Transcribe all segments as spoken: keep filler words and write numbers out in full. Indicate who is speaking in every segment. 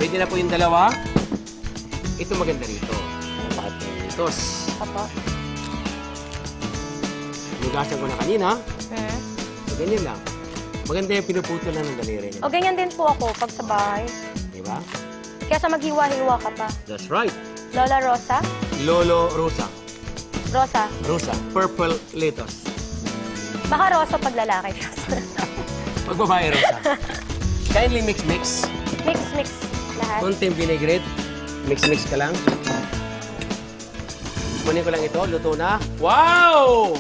Speaker 1: Ready na po yung dalawa. Ito maganda rito. Litos.
Speaker 2: Opo.
Speaker 1: Nugasan ko na kanina.
Speaker 2: Hmm.
Speaker 1: So, ganyan lang. Maganda yung pinuputol lang ng daliri niya.
Speaker 2: O ganyan din po ako pag sa bahay.
Speaker 1: Diba?
Speaker 2: Kaya sa maghiwa-hiwa ka pa.
Speaker 1: That's right.
Speaker 2: Lola Rosa?
Speaker 1: Lolo Rosa.
Speaker 2: Rosa.
Speaker 1: Rosa. Purple lettuce.
Speaker 2: Baka Rosa pag lalaki.
Speaker 1: Pag babae, Rosa. Kindly mix-mix.
Speaker 2: Mix, mix. Lahat.
Speaker 1: Konting vinaigrette. Mix-mix ka lang. Kunin ko lang ito. Luto na. Wow!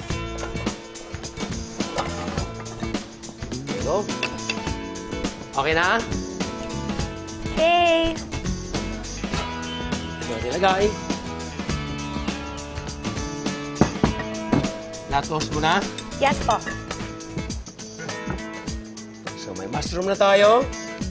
Speaker 1: There you go. Okay na?
Speaker 2: Okay.
Speaker 1: Ito nilagay. Na-toast mo na.
Speaker 2: Yes po.
Speaker 1: So, may mushroom na tayo.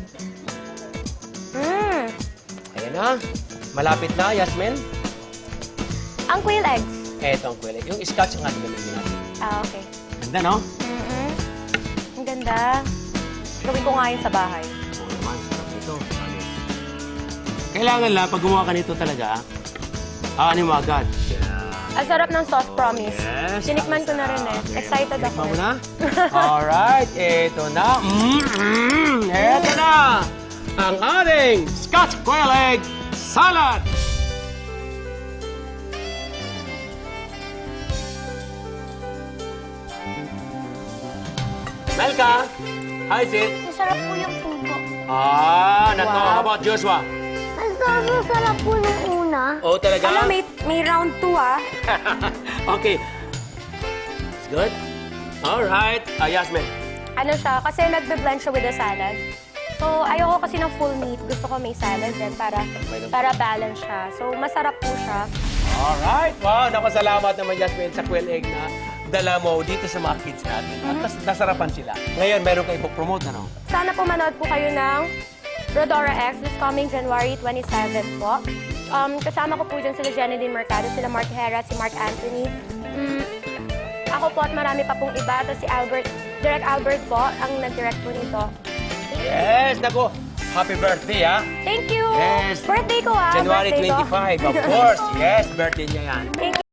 Speaker 2: Mm.
Speaker 1: Ayan na. Malapit na, Yasmin.
Speaker 2: Ang quail eggs.
Speaker 1: Eto ang kwele. Yung scotch ang ating gamitin natin.
Speaker 2: Ah, okay.
Speaker 1: Ganda, no?
Speaker 2: Mm-mm. Ang ganda. Gawin ko nga yun sa bahay.
Speaker 1: Oo naman, sarap nito. Kailangan lang, pag gumawa ka nito talaga, aanin mo agad.
Speaker 2: Ang sarap ng sauce, promise.
Speaker 1: Yes.
Speaker 2: Tinikman ko na rin eh. Excited ako.
Speaker 1: Tikman mo na? Alright, eto na. Mm-mm. Eto na! Ang ating Scotch Quail Egg Salad! Melka, how is it?
Speaker 3: Masarap po yung pugo.
Speaker 1: Ah, not know.
Speaker 2: Wow.
Speaker 1: How about Joshua?
Speaker 3: Ang sarap, sarap po nung una.
Speaker 1: Oh, talaga?
Speaker 2: Alam, may, may round two ah.
Speaker 1: Okay. It's good? Alright. Ah, Yasmin.
Speaker 2: Ano siya, kasi nagbe-blend siya with the salad. So, ayoko kasi ng full meat. Gusto ko may salad din para, para balance siya. So, masarap po siya.
Speaker 1: Alright. Wow, napasalamat naman, Yasmin, sa quail egg na dala mo dito sa mga kids natin. At nas nasarapan sila. Ngayon, meron kayo promote ano?
Speaker 2: Sana po manood po kayo ng Rodora X this coming January twenty-seventh po. Um, kasama ko po dyan sila Jenny Mercado, sila Mark Hera, si Mark Anthony. Mm, ako po at marami pa pong iba. Tapos si Albert, Direct Albert po, ang nag-direct po nito.
Speaker 1: Yes, nako. Happy birthday, ha?
Speaker 2: Thank you!
Speaker 1: Yes.
Speaker 2: Birthday ko ah!
Speaker 1: January
Speaker 2: birthday ko.
Speaker 1: twenty-five, of course. Yes, birthday niya yan.
Speaker 2: Thank